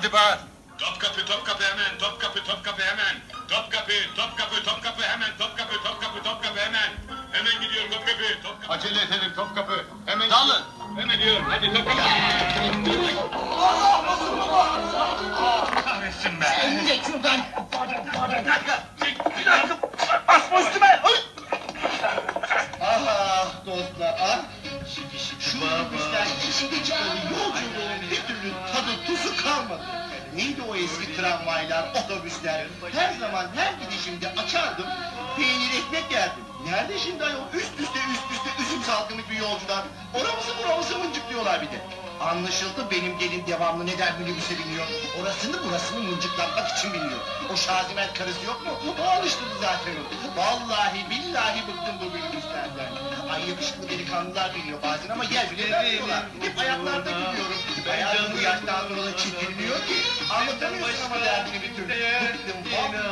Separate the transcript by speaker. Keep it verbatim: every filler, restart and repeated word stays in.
Speaker 1: Hadi bağır.
Speaker 2: Topkapı, Topkapı hemen, Topkapı, Topkapı hemen. Topkapı, Topkapı, Topkapı hemen, Topkapı, Topkapı, Topkapı hemen. Hemen gidiyorum Topkapı, Topkapı.
Speaker 1: Acele edelim Topkapı. Hemen
Speaker 2: Dalın. Hemen diyorum, hadi Topkapı.
Speaker 1: kahretsin be.
Speaker 3: Elini de şuradan.
Speaker 1: Bir dakika. Bir dakika. Basma üstüme.
Speaker 4: Ah dostlar ah. Şu minibüsler içinde çıkan yolculuğun bir türlü tadı tuzu kalmadı. Neydi o eski tramvaylar, otobüsler? Her zaman her gidişimde açardım, peynir ekmek yerdim. Nerede şimdi ayol? Üst üste üst üste üzüm salkımı bir yolcular. Oramızı buramızı mıncıklıyorlar bir de. Anlaşıldı benim gelin devamlı neden minibüse biniyor. Orasını burasını mıncıklatmak için biniyor. O Şazimen karısı yok mu? O alıştırdı zaten o. Vallahi billahi bıktım bu minibüslerden. Ay yakışıklı delikanlılar biniyor bazen ama yer bile vermiyorlar. Hep ayaklarda gidiyorum. Hayatım bu yaştan sonra da çirkinliyor ki. Anlatamıyorsun ama derdini bir türlü. Bıktım vallahi.